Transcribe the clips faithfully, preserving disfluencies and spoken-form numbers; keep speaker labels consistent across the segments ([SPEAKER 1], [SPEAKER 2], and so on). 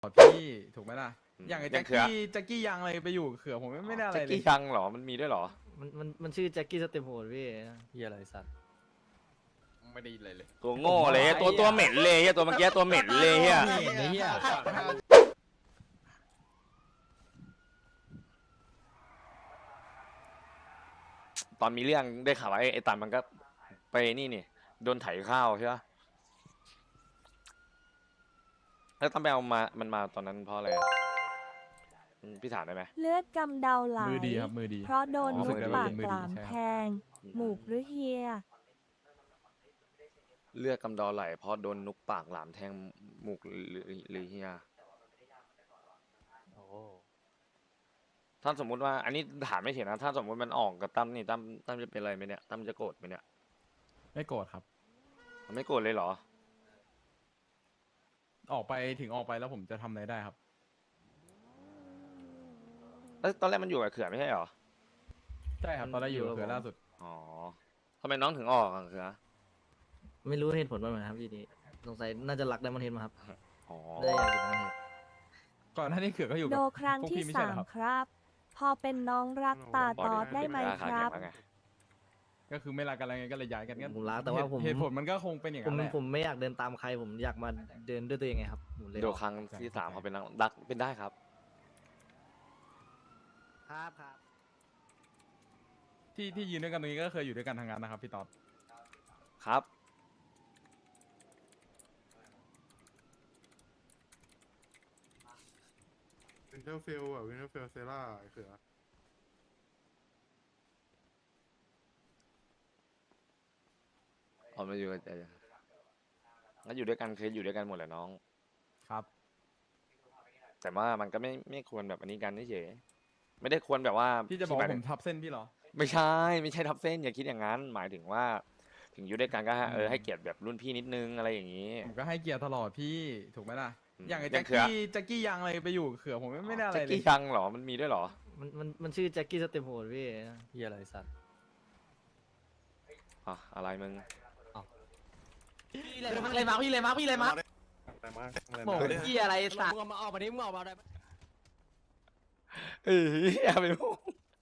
[SPEAKER 1] พี่ถูกไหมล่ะ
[SPEAKER 2] อืม
[SPEAKER 1] อย่างไอ้
[SPEAKER 2] อย่า
[SPEAKER 1] แจ็
[SPEAKER 2] ง
[SPEAKER 1] ค
[SPEAKER 2] เขือ
[SPEAKER 1] กี้แจ็คกี้ยังอะไรไปอยู่เขือผมไม่ไม่ได้อะไร
[SPEAKER 2] แจ็ค
[SPEAKER 1] เลย
[SPEAKER 2] กี้ชังเหรอมันมีด้วยเหรอ
[SPEAKER 3] มันมันมันชื่อแจ็คกี้สเต็ปโหดพี่
[SPEAKER 4] เฮียอะไรสัตว์
[SPEAKER 1] ไม่ได้เลยเลย
[SPEAKER 2] ตัวโง่เลยตัวตัวเหม็นเลยเฮียตัวเมื่อกี้ตัวเหม็นเลยเฮีย
[SPEAKER 4] ไอ้เฮีย
[SPEAKER 2] ตอนมีเรื่องได้ข่าวว่าไอ้ไอ้ตันมันก็ไปนี่นี่โดนไถข้าวใช่ปะแล้วตั้มไปเอามามันมาตอนนั้นเพราะอะไรอะอืมพี่ถามได้ไหม
[SPEAKER 5] เลือดกำเดาไหล
[SPEAKER 1] มือดีครับมือดี
[SPEAKER 5] เพราะโดน
[SPEAKER 2] อ๋อ
[SPEAKER 5] นุก
[SPEAKER 2] ฝึกได้
[SPEAKER 5] ปาก
[SPEAKER 1] เป็นมือดี
[SPEAKER 5] กลาม
[SPEAKER 1] ใช่ครับ
[SPEAKER 5] แทง หมูกหรือเฮีย
[SPEAKER 2] เลือดกำเดอไหลเพราะโดนนุกปากหลามแทงหมูกหรือหรือเฮีย
[SPEAKER 4] โอ้
[SPEAKER 2] ถ้าสมมุติว่าอันนี้ถามไม่เห็นนะถ้าสมมติมันออกกับตั้มนี่ตั้มตั้มจะเป็นอะไรไหมเนี่ยตั้มจะโกรธไหมเนี่ย
[SPEAKER 1] ไม่โกรธครับ
[SPEAKER 2] มันไม่โกรธเลยเหรอ
[SPEAKER 1] ออกไปถึงออกไปแล้วผมจะทำอะไรได้ครับ
[SPEAKER 2] เอ้ยตอนแรกมันอยู่กับเขื่อนไม่ใช่เหรอ
[SPEAKER 1] ใช่ครับตอนแรกอยู่กับเขือล่าสุด
[SPEAKER 2] อ๋อทำไมน้องถึงออกอะเขื่อ
[SPEAKER 3] ไม่รู้เหตุผลว่าเหมือนครับพี่นี่สงสัยน่าจะรักไดมอนด์เฮดมาครับ
[SPEAKER 2] อ๋อ
[SPEAKER 3] ได้อยากอยู่ไดมอนด์เฮด
[SPEAKER 1] ก่อนหน้านี้เขือก็อยู่
[SPEAKER 5] โด
[SPEAKER 1] กับ
[SPEAKER 5] ครั้ง
[SPEAKER 1] พวก
[SPEAKER 5] ที่
[SPEAKER 1] พี่ไม่ใช่
[SPEAKER 5] สา
[SPEAKER 1] เหรอ
[SPEAKER 5] ม
[SPEAKER 1] ครับ
[SPEAKER 5] ครับ พอเป็นน้องรักตาตอดได้ไหมครับ
[SPEAKER 2] แข็งแล้วไง
[SPEAKER 1] ก็คือไม่รักกันแล้วไงก็เลยย้ายกันก็
[SPEAKER 3] ผมรักแต่ว่าผม
[SPEAKER 1] เหตุผลมันก็คงเป็นอย่าง
[SPEAKER 3] ผม
[SPEAKER 1] นั้นแหละ
[SPEAKER 3] ผมไม่อยากเดินตามใครผมอยากมาเดินด้วยตัวเองไงครับผมเลย
[SPEAKER 2] โดครั้งที่สามเขาเป็นนักดักเป็นได้ครับ
[SPEAKER 3] ครับครับ
[SPEAKER 1] ที่ที่ยืนด้วยกันตรงนี้ก็เคยอยู่ด้วยกันทางนั้นนะครับพี่ต๊อด
[SPEAKER 2] ครับ
[SPEAKER 6] วินเทอร์เฟลอะวินเทอร์เฟลเซล่าไอ้เขือ
[SPEAKER 2] ออกมาอยู่กันงั้นอยู่ด้วยกันเคยอยู่ด้วยกันหมดแหละน้อง
[SPEAKER 1] ครับ
[SPEAKER 2] แต่ว่ามันก็ไม่ไม่ควรแบบอันนี้กันเฉยไม่ได้ควรแบบว่า
[SPEAKER 1] พี่จะบอก
[SPEAKER 2] ห
[SPEAKER 1] ว่าผ
[SPEAKER 2] ถึ
[SPEAKER 1] ม
[SPEAKER 2] ง
[SPEAKER 1] ทับเส้นพี่เหรอ
[SPEAKER 2] ไม่ใช่ไม่ใช่ทับเส้นอย่าคิดอย่างนั้น หมายถึงว่า ถึงอยู่ด้วยกันก็ให้เออให้เกียรติแบบรุ่นพี่นิดนึงอะไรอย่างนี้
[SPEAKER 1] ผมก็ให้เกียรติตลอดพี่ถูกไหมล่ะ
[SPEAKER 2] อืม
[SPEAKER 1] อย่างไอ้
[SPEAKER 2] อย่า
[SPEAKER 1] แจ็
[SPEAKER 2] ง
[SPEAKER 1] ค
[SPEAKER 2] เขือ
[SPEAKER 1] กี้แจ็คกี้ยังอะไรไปอยู่เขือผมไม่ไม่ได้อะไร
[SPEAKER 2] แจ็ค
[SPEAKER 1] เลย
[SPEAKER 2] กี้ชังเหรอมันมีด้วยเหรอ
[SPEAKER 3] มันมันมันชื่อแจ็คกี้สเต็ปโหดพี่
[SPEAKER 4] เฮียอะไรสัตว์
[SPEAKER 2] อ่ะอะไรมึง
[SPEAKER 4] พี่เลยมาพี่เลยมาพี่เลยมาพี่เลยมา
[SPEAKER 6] อะไรมาอะไร
[SPEAKER 4] โห
[SPEAKER 6] มา
[SPEAKER 4] เฮียอะไรสัตว์มึงมาออกมาดิมึงออกมาได้
[SPEAKER 2] เอ้ยอย่าไปพูด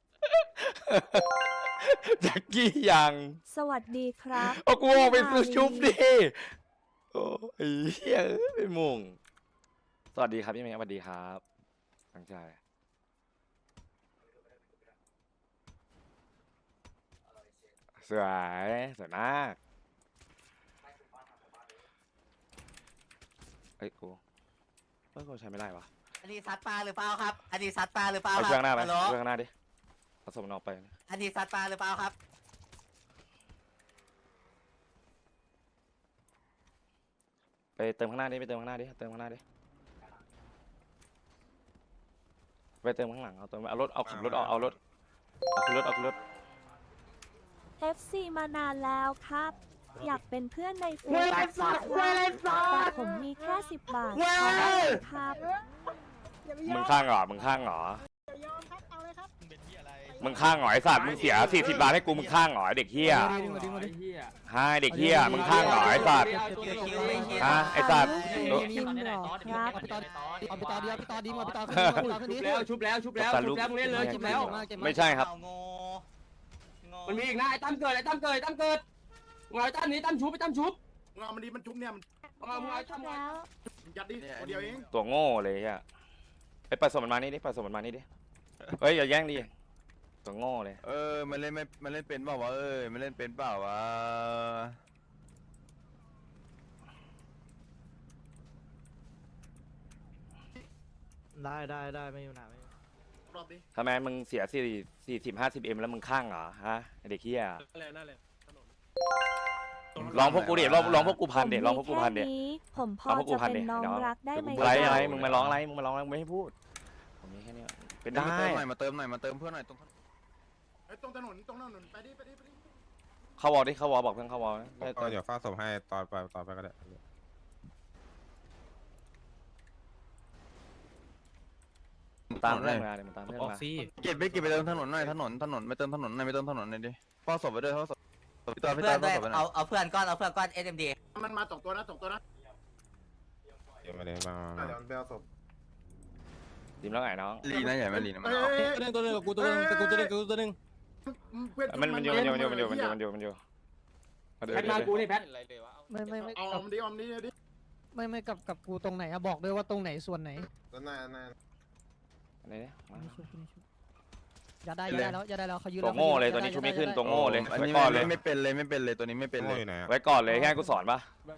[SPEAKER 2] แจ็คกี้ยัง
[SPEAKER 5] สวัสดีครับ
[SPEAKER 2] เอากูออกไปซื้อชุบดิโอ้ยเหี้ยเอ้ยไปมุงสวัสดีครับพี่เมย์สวัสดีครับตั้งใจสวยสวยมากเอ้ยกูเอ้ยกูใช้ไม่ได้วะ
[SPEAKER 7] อันนี้ซัดปลาหรือเปล่าครับ อันนี้ซัดปลาหรือเปล่า
[SPEAKER 2] เอา
[SPEAKER 7] ค
[SPEAKER 2] เค
[SPEAKER 7] รั
[SPEAKER 2] รื่องหน้าไป
[SPEAKER 7] ฮัลโหล
[SPEAKER 2] เครื่องหน้าดิผสมมันออกไป
[SPEAKER 7] อันนี้ซัดปลาหรือเปล่าครับ
[SPEAKER 2] ไปเติมข้างหน้าดิไปเติมข้างหน้าดิเติมข้างหน้าดิไปเติมข้างหลังเอาเติมเอารถเอาขับรถเอาเอารถเอาขึ้นรถเอาขึ้นรถ
[SPEAKER 5] เอฟ ซี มานานแล้วครับ อยากเป็นเพื่อนในเฟซ
[SPEAKER 7] เว้ยไรสัตว์เว้ยไรสัตว์
[SPEAKER 5] แต่ผมมีแค่สิบบาท
[SPEAKER 7] เว้ย
[SPEAKER 5] ขอได้ไหมครับ
[SPEAKER 2] มึงข้างเหรอมึงข้างเหรอมึงข้างเหรอไอ้สัตว์มึงเสียสี่สิบบาทให้กูมึงข้างเหรอไอ้เด็กเฮียฮะไอ้เด็กเฮียมึงข้างเหรอไอ้สัตว์ฮะไอ้สัตว์
[SPEAKER 5] จริงเหรอครับ
[SPEAKER 4] เอาไปต่อดีเอาไปต่อดีมาไปต่อขึ้นดีชุบแล้วชุบแล้วชุบแล้วชุบแล้วมึงเล่นเลยชุบแล้ว
[SPEAKER 2] ไม่ใช่ครับ
[SPEAKER 7] โง่โง่
[SPEAKER 4] มันมีอีกนะไอ้ตั้มเกิดไอ้ตั้มเกิดไอ้ตั้มเกิดมึงเอาไอ้ตั้มนี้ตั้มชุบไอ้ตั้มชุบ
[SPEAKER 6] มึงเอามันดีมันจุ๊บเนี่ยมัน
[SPEAKER 4] มึงเอามึงเอาไอ้ตั้ม
[SPEAKER 5] แล้ว
[SPEAKER 6] ยัดดิตัวเดียวเอง
[SPEAKER 2] ตัวโง่เลยเฮียไปผสมมันมานี่ดิผสมมันมานี่ดิเฮ้ยอย่าแย่งดิตัวโง่เลย
[SPEAKER 8] เออ มันเล่นไม่ มันเล่นเป็นเปล่าวะ เอ้ย มันเล่นเป็นเปล่าวะ
[SPEAKER 3] ได้ได้ได้ไม่มีปัญหาไม่มี
[SPEAKER 6] รอบดิ
[SPEAKER 2] ทำไมมึงเสียสี่สี่สิบห้าสิบเอ็มแล้วมึงข้างเหรอฮะไอ้เด็กเฮียลองพวกกูดิลองลองพวกกูพันเด็
[SPEAKER 5] ผม
[SPEAKER 2] ลองพวกกูพันเด็
[SPEAKER 5] มีแค่นี้ผมพอ
[SPEAKER 2] เอาพวกกู
[SPEAKER 5] จะ
[SPEAKER 2] พัน
[SPEAKER 5] เป็น
[SPEAKER 2] ดิ
[SPEAKER 5] น้อง
[SPEAKER 2] เดี๋ยว
[SPEAKER 5] รักได้ไหม
[SPEAKER 2] อะไร
[SPEAKER 5] ค
[SPEAKER 2] อะไร
[SPEAKER 5] รับ
[SPEAKER 2] มึงมาร้องอะไรมึงมาร้องอะไรมึงไม่ให้พูดผมมีแค่นี้เป็นได้
[SPEAKER 8] มาเติมหน่อย มาเติมหน่อย มาเติมเพื่อนหน่อยตรง
[SPEAKER 6] ไอ้ยตรงถนนตรงถนนไปดิไปดิไปดิ
[SPEAKER 2] เข้าวอลดิเข้าวอลบอกเพื่อนเข้าวอลไม่
[SPEAKER 9] ก็เดี๋ยวฟ้าศพให้ตอนไปตอนไปก็ได้
[SPEAKER 2] ตามเรื่องมาเดี๋ยวมันตามเรื่องมา
[SPEAKER 8] เก็บไปเก็บไปเติมถนนหน่อย ถนน ถนนไม่เติมถนนหน่อยไม่เติมถนนหน่อยดิพ่อศพไปด้วยพ่อศพพี่ตอนพี่
[SPEAKER 7] เพื่
[SPEAKER 8] ต
[SPEAKER 7] อ
[SPEAKER 8] อน น
[SPEAKER 7] ด้
[SPEAKER 8] พ่
[SPEAKER 7] ว
[SPEAKER 8] อย ศพไปหน่
[SPEAKER 7] เอา
[SPEAKER 8] อย
[SPEAKER 7] เอาเพื่อนก้อนเอาเพื่อนก้อน เอส เอ็ม ดี
[SPEAKER 6] มันมาสองตัวนะสองตัวนะ
[SPEAKER 9] เดี๋ยวมาเลยมา
[SPEAKER 6] เดี๋ยวมันไปเอาศพ
[SPEAKER 2] ดิมแล้วไงน้อง
[SPEAKER 8] ลีนะใหญ่ไหมลีนะมัน
[SPEAKER 6] เอ้
[SPEAKER 8] เอา
[SPEAKER 6] ย
[SPEAKER 4] ตัวนึงตัวนึงกับกูตัวนึงกับกูตัวนึงกับกูตัวนึง
[SPEAKER 6] เพื่อน
[SPEAKER 2] มันมันอยู่มันอยู่มันอยู่มันอยู่มันอยู่มันอยู่มันอยู่
[SPEAKER 4] แพทมากูนี่แพท
[SPEAKER 10] ไม่ไม่ไม่
[SPEAKER 6] เอาออมดิออมดิดิ
[SPEAKER 10] ไม่ไม่กับกับกูตรงไหนอะบอกด้วยว่าตรงไหนส่วนไหน
[SPEAKER 9] แล้วหน้าหน้า
[SPEAKER 2] อะไรเนี่ยมา
[SPEAKER 10] อย่าได้อย่าได้แล้วอย่าได้แล้วเขายืน
[SPEAKER 2] ตัวโง่เลยตัวนี้ชุบไม่ขึ้นตัวโง่เลย
[SPEAKER 8] อัน
[SPEAKER 2] ไว้
[SPEAKER 8] นี้
[SPEAKER 2] ก่อนเลย
[SPEAKER 8] ไม่เป็นเลยไม่เป็นเลยตัวนี้ไม่เป็น
[SPEAKER 9] โง่
[SPEAKER 8] เลย
[SPEAKER 9] อยู่ไหนอะ
[SPEAKER 2] ไว้ก่อนเลยแค่กูสอนปะ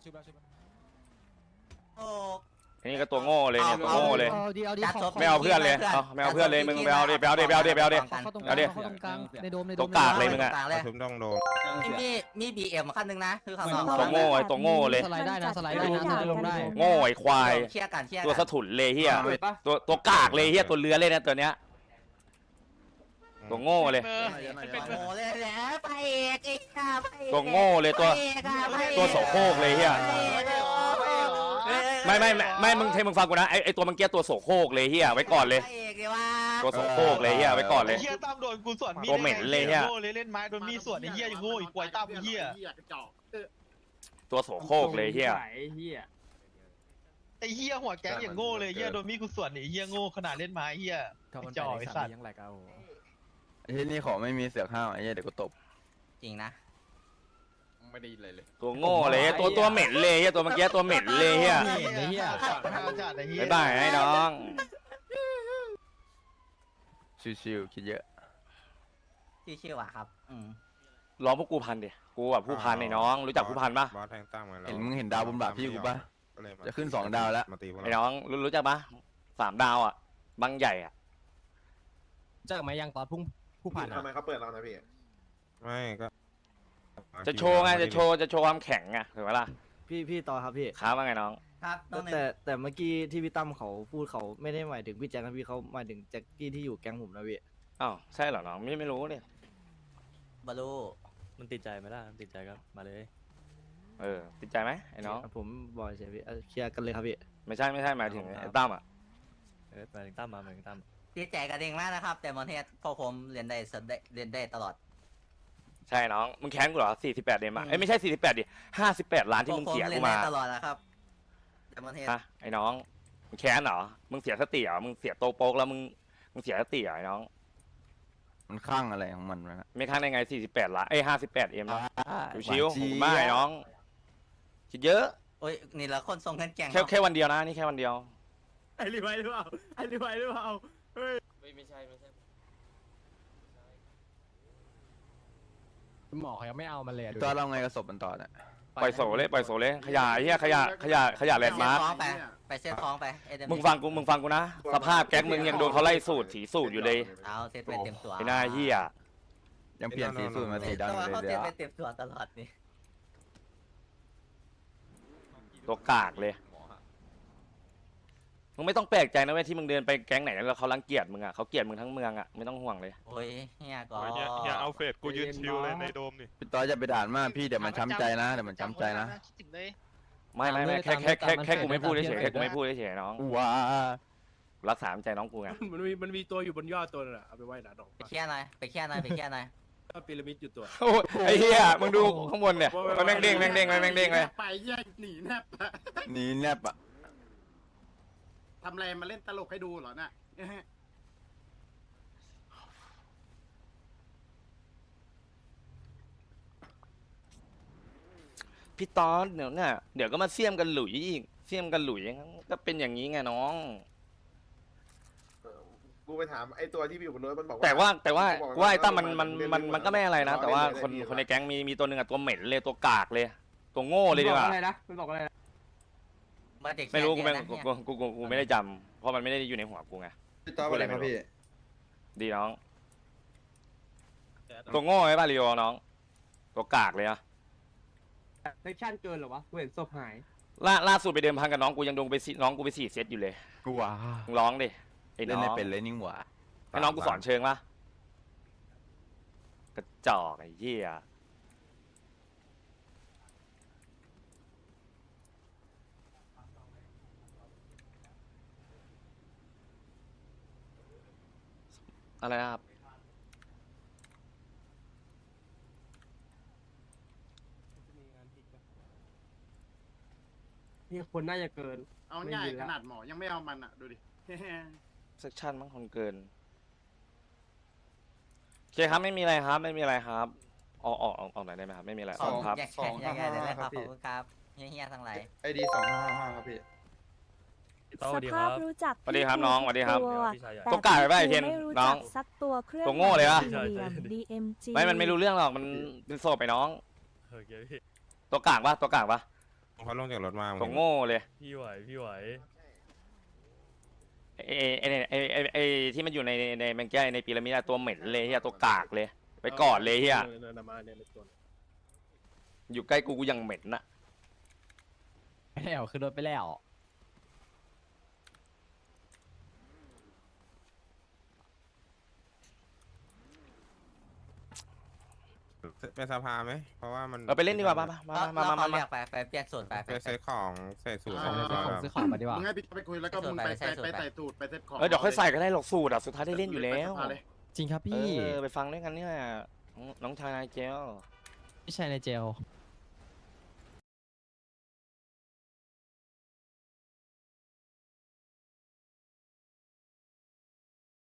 [SPEAKER 7] โอ้
[SPEAKER 2] อันนี้ก็ตัวโง่เลยเนี่ยตัวโง่เลย
[SPEAKER 10] เอาดีเอาดีข
[SPEAKER 2] ไม่เอาเพื่อนเลยเอาไม่เอาเพื่อนเลยมึงไปเอาดิไปเอาดิไปเอาดิไปเอาดิ
[SPEAKER 10] เข้าตรงก
[SPEAKER 2] เอา
[SPEAKER 10] ลาง
[SPEAKER 2] ดิ
[SPEAKER 10] เข้าตรงกลางในโดมในโด
[SPEAKER 2] ตัว
[SPEAKER 10] ม
[SPEAKER 2] กากเลยมึงอะ
[SPEAKER 7] ต่างเลย
[SPEAKER 9] ทุบต้องโดน
[SPEAKER 7] มีมีบีเอ็มขั้นหนึ่งนะคือข้างนอก
[SPEAKER 2] ตัวโง่ไอ้ตัวโง่เลย
[SPEAKER 10] สไลด์ได้นะสไลด์ได้นะสไลด์ลงได้
[SPEAKER 2] โง่ไอ้ควาย
[SPEAKER 7] เคลียร์กันเคลียร์
[SPEAKER 2] ตัว
[SPEAKER 7] กั
[SPEAKER 2] สะถุนเลยเฮีย
[SPEAKER 4] เปิดปะ
[SPEAKER 2] ตัวตัวกากเลยเฮียตัวเลื้อเลยนะตัวเนี้ยตัวโง่เลย
[SPEAKER 7] โง่เลยแหละไปเอกไอ้ข้าไปเอก
[SPEAKER 2] ตัวโง่เลยตัว
[SPEAKER 7] ไปเอกอะไปเอก
[SPEAKER 2] ตัวโสโครกเลยเฮีย
[SPEAKER 7] ไปเอกเหรอไปเอกเหรอ
[SPEAKER 2] ไม่ไม่ไม่ไม่มึงเทมึงฟังกูนะไอไอตัวเมื่อกี้ตัวโสโครกเลยเฮียไว้ก่อนเลย
[SPEAKER 7] ไปเอกเลยว่า
[SPEAKER 2] ตัวโสโครกเลยเฮียไว้ก่อนเลย
[SPEAKER 11] เฮียตั้มโดนกูสวนมีด
[SPEAKER 2] ตัวเหม็นเลยเนี่ย
[SPEAKER 11] โง่เลยเล่นไม้โดนมีดสวนไอ้เฮียยังโง่อีกกวยตั้มไอ้เฮีย
[SPEAKER 6] กระจอกเออ
[SPEAKER 2] ตัวโสโครกเลยเฮีย
[SPEAKER 4] ไอ้เฮีย
[SPEAKER 11] ไอ้เฮียหัวแก๊งอย่างโง่เลยเฮียโดนมีดกูสวนไอ้เฮียโง่ขนาดเล่นไม้เฮียไอ้จ่อไอ้สัตว์
[SPEAKER 8] ไอ้ที่นี่ขอไม่มีเสือกห้าวไอ้เหี้ยเดี๋ยวกูตบ
[SPEAKER 7] จริงนะ
[SPEAKER 8] ไม่ได้เลยเลย
[SPEAKER 2] ตัวโง่เลยตัวตัวเหม็นเลยเฮียตัวเมื่อกี้ตัวเหม็นเลยเฮีย
[SPEAKER 11] ไอ้เฮียจัดไอ้เฮีย
[SPEAKER 2] บ๊ายบายไอ้น้อง
[SPEAKER 8] ชิวๆคิดเยอะ
[SPEAKER 7] ชื่อๆว่ะครับอืม
[SPEAKER 2] ร้องพวกกูพันดิกูแบบผู้พันไอ้น้องรู้จักผู้พันปะ
[SPEAKER 9] บอสแทงตั้มมาแล้ว
[SPEAKER 8] เห็นมึงเห็นดาวบนบ่าพี่กูปะ
[SPEAKER 9] ก็เลยมา
[SPEAKER 8] จะขึ้นสองดาวแล้ว
[SPEAKER 9] มาตีพวก
[SPEAKER 2] ไอ้
[SPEAKER 9] เรา
[SPEAKER 2] น้องรู้รู้จักปะสามดาวอ่ะบางใหญ่อ่ะ
[SPEAKER 4] เจอไหมยังตอนพุ่งผู้ผ่าน
[SPEAKER 6] ทำไมเขาเปิดเรานะพี่
[SPEAKER 9] ไม่ก็
[SPEAKER 2] จะโชว์ไงจะโชว์จะโชว์ความแข็งไงถูกไหมล่ะ
[SPEAKER 3] พี่พี่ต่อครับพี่
[SPEAKER 2] ค้าว่าไงน้อง
[SPEAKER 7] ครับน้องหนึ่ง
[SPEAKER 3] แต่แต่เมื่อกี้ที่พี่ตั้มเขาพูดเขาไม่ได้หมายถึงพี่แจ็คนะพี่เขาหมายถึงแจ็คกี้ที่อยู่แก๊งผมนะพี่
[SPEAKER 2] อ้าวใช่เหรอน้องไม่ไม่รู้เลย
[SPEAKER 7] บาลู
[SPEAKER 3] มันติดใจไหมล่ะติดใจก็มาเลย
[SPEAKER 2] เออติดใจไหมไอ้น้อง
[SPEAKER 3] ผมบอกเฉยพี่เอาเคลียร์กันเลยครับพี่
[SPEAKER 2] ไม่ใช่ไม่ใช่หมายถึงไอ้ตั้มอ่ะ
[SPEAKER 3] เออหมายถึงตั้มมาหมายถึงตั้ม
[SPEAKER 7] ดีใจกันเองมากนะครับ แต่มอนเทสพอผมเรียนได้สดได้เรียนได้ตลอด
[SPEAKER 2] ใช่น้องมึงแค้นกูเหรอสี่สิบแปดเดมอ่ะเอ้ยไม่ใช่สี่สิบแปดดิห้าสิบแปดล้านที่มึงเสีย
[SPEAKER 7] เรี
[SPEAKER 2] กู
[SPEAKER 7] นได้
[SPEAKER 2] มา
[SPEAKER 7] ตลอดนะครับแต่มอนเทส
[SPEAKER 2] ฮะไอ้น้องมึงแค้นเหรอมึงเสียสติเหรอมึงเสียโตวโป๊กแล้วมึงมึงเสียสติเหรอไอ้น้อง
[SPEAKER 8] มันข้างอะไรของมันวะนะ
[SPEAKER 2] ไม่ค้างได้ไงสี่สิบแปดล้านเอ้ยห้าสิบแปดเอ็ม
[SPEAKER 8] อ่า
[SPEAKER 2] ชิว
[SPEAKER 8] หาน
[SPEAKER 2] ๆ
[SPEAKER 8] เจี๊
[SPEAKER 2] ผม
[SPEAKER 8] ยบ
[SPEAKER 2] ไม่น้องคิดเยอะ
[SPEAKER 7] โอ้ยนี่ละคนส่งเงินแกง
[SPEAKER 2] แค่แค่วันเดียวนะนี่แค่วันเดียว
[SPEAKER 1] ไอ้รีไวหรือเปล่าไอ้รีไวหรือเปล่าเฮ้ย
[SPEAKER 4] ไม่ใช่ไม่ใช่
[SPEAKER 1] หมอเขายังไม่เอามาเลย
[SPEAKER 8] ตอนเราไงกระสบมันต่อเนี่ย
[SPEAKER 2] ปล่อยโสเลยปล่อยโสเลยขยะไอ้เหี้ยขยะขยะขยะแลนด์มาร์ค
[SPEAKER 7] ท้องไปไปเซ็ตท้องไปเอ็ม
[SPEAKER 2] มึงฟังกูมึงฟังกูนะสภาพแก๊งมึงยังโดนเขาไล่สูตรสีสูตรอยู่เลย
[SPEAKER 7] เอาเซ็ตไปเต็มตัว
[SPEAKER 2] ไอ้หน้าเหี้ย
[SPEAKER 8] ยังเปลี่ยนสีสูตรมาสีดำ
[SPEAKER 7] แต่
[SPEAKER 8] อยู่
[SPEAKER 7] ว่า
[SPEAKER 8] เลย
[SPEAKER 7] เขา
[SPEAKER 8] เดี๋
[SPEAKER 7] เซ็
[SPEAKER 8] ยว
[SPEAKER 7] ตไปเต็มตัวตลอดนี่
[SPEAKER 2] ตัวกากเลยมึงไม่ต้องแปลกใจนะเว้ยที่มึงเดินไปแก๊งไหนแล้วเขารังเกียจมึงอ่ะเขาเกลียดมึงทั้งเมืองอ่ะไม่ต้องห่วงเลย
[SPEAKER 7] โอ้ยเฮียก็
[SPEAKER 11] อย่าเอาเฟสกูยืนชิวเลยในโดมนี่
[SPEAKER 8] พี่ต่อจะไปด่านมากพี่เดี๋ยวมันช้ำใจนะเดี๋ยวมันช้ำใจนะ
[SPEAKER 11] คิดถึงเลย
[SPEAKER 2] ไม่ไม่ไม่แค่แค่แค่แค่กูไม่พูดเฉยๆแค่กูไม่พูดเฉยๆน้อง
[SPEAKER 8] ว้า
[SPEAKER 2] รักษาน้ำใจน้องกูไง
[SPEAKER 1] มันมีมันมีตัวอยู่บนยอดตัวนึงอะเอาไปไหว้หนาดอก
[SPEAKER 7] ไปเคลียร์หน่อยไปเคลียร์หน่อยไปเคลียร์หน่อย
[SPEAKER 1] ก็พีระมิดอยู่ตัว
[SPEAKER 2] โอ้ยไอ้เหี้ยมึงดูข้างบนเนี่ยมันแม่งเด้งแม่งเด้งแม่งเด้งเลย
[SPEAKER 6] ไปแยกหนีแนบ
[SPEAKER 8] หนีแนบอ่ะ
[SPEAKER 6] ทำอะไรมาเล่นตลกให้ดูเหรอน่ะ
[SPEAKER 2] พี่ตอนเดี๋ยวเนี่ยเดี๋ยวก็มาเสี่ยมกันหลุยอีกเสี่ยมกันหลุยก็เป็นอย่างนี้ไงน้อง
[SPEAKER 6] กูไปถามไอ้ตัวที่อยู่บนรถมันบอกว่า
[SPEAKER 2] แต่ว่าแต่ว่า
[SPEAKER 6] บอกว่า
[SPEAKER 2] ว่าไอ้ตั้มมันมัน
[SPEAKER 6] เล่น
[SPEAKER 2] มัน
[SPEAKER 6] เล่น
[SPEAKER 2] มันก็ไม่อะไรนะ
[SPEAKER 6] เล่น
[SPEAKER 2] แต่ว่า
[SPEAKER 6] เล่น
[SPEAKER 2] คน
[SPEAKER 6] เล่น
[SPEAKER 2] คนในแก๊งมีมีตัวหนึ่งอะตัวเหม็นเลยตัวกากเลย ตัวโง่เลยดีกว่า
[SPEAKER 4] อะไรนะมันบอกอะไรนะ
[SPEAKER 7] มาเด็ก
[SPEAKER 2] ไม่รู้กูไม่
[SPEAKER 7] แค่นี้
[SPEAKER 2] กู
[SPEAKER 7] นะ
[SPEAKER 2] กูกูกูกูไม่ได้จำเพราะมันไม่ได้อยู่ในหัวกูไง
[SPEAKER 8] พี่ต่ออะไรครับพี่
[SPEAKER 2] ดีน้อง ตัวโง่ไอ้บ้าริโอน้อง ตัวกากเลยอะ
[SPEAKER 4] เซ็กชั่นเกินเหรอวะกูเห็นศพหาย
[SPEAKER 2] ล่าล่าสุดไปเดิมพันกับน้องกูยังโดนไปสี่น้องกูไปสี่เซตอยู่เลย
[SPEAKER 8] กูว้า
[SPEAKER 2] มึงร้องดิไอ้
[SPEAKER 8] เล่
[SPEAKER 2] น้
[SPEAKER 8] น
[SPEAKER 2] อ
[SPEAKER 8] ไม่
[SPEAKER 2] ง
[SPEAKER 8] เป็นเลยนิ่งหว่า
[SPEAKER 2] ให้น้องกูสอนเชิงปะกระจอกไอ้เหี้ยอะไรนะครับ
[SPEAKER 4] นี่คนน่าจะเกิน
[SPEAKER 6] เอาง่ายขนาดหมอยังไม่เอามันอ่ะดูดิ
[SPEAKER 2] เซกชันมั้งคนเกินโอเคครับไม่มีอะไรครับไม่มีอะไรครับออกออกออกออกไหนอยได้ไหมครับไม่มีอะไร
[SPEAKER 7] สอง
[SPEAKER 2] ครับ
[SPEAKER 7] แยกแยกแยกเลยนะครับขอบคุณครับเฮียๆทั้งหลาย
[SPEAKER 9] ไอดีสองห้าห้าครับพี่
[SPEAKER 5] สภาพรู้จัก
[SPEAKER 2] สวัสดีครับน้องสวัสดีครับ
[SPEAKER 5] แต่
[SPEAKER 2] ตัวกาดไปป่ะไอ้เทน
[SPEAKER 5] ไม่รู้
[SPEAKER 2] น้
[SPEAKER 5] จั
[SPEAKER 2] อง
[SPEAKER 5] กสักตัวเครื่อง
[SPEAKER 2] ตัวโง่เลยวะ
[SPEAKER 5] หมายสี่เหลี่ยม ดี เอ็ม จี
[SPEAKER 2] ไม่มันไม่รู้เรื่องหรอกมันเป็นโซบไปน้อง
[SPEAKER 1] โอเคพี่
[SPEAKER 2] ตัวกลางปะตัวกลางปะ
[SPEAKER 9] เขาลงจากรถมา
[SPEAKER 2] ตัวโง่เลย
[SPEAKER 1] พี่ไหวพี่ไหว
[SPEAKER 2] ไอ้ไอ้ไอ้ไอ้ไอ้ที่มันอยู่ในในแมงแก้ในพีระมิดอะตัวเหม็นเลยเฮียตัวกากเลย ไปกอดเลยเฮียอยู่ใกล้กูกูยังเหม็นน่ะ
[SPEAKER 3] ไปแล้วคือรถไปแล้ว
[SPEAKER 9] เป็นสภาไหมเพราะว่ามัน
[SPEAKER 2] เออไปเล่นดีกว่ามามามามามามา
[SPEAKER 7] เรียกไปไปเปียกส่วนไป
[SPEAKER 9] ไปเซ็ตของใส่สูตร
[SPEAKER 3] ซื้อของมาดีกว่า
[SPEAKER 6] มึงให้พี่ไปคุยแล้วก็มึงไปไปไปใส่สูตรไปเซ็ตของ
[SPEAKER 2] เออเดี๋ยวค่อยใส่ก็ได้หรอกสูตรอะสุดท้ายได้เล่นอยู่แล้ว
[SPEAKER 3] จริงครับ
[SPEAKER 2] เอ
[SPEAKER 3] พี่
[SPEAKER 2] อไปฟังด้วยกันเนี่ยน้องชายนายเจล
[SPEAKER 3] พี่ชายในเจล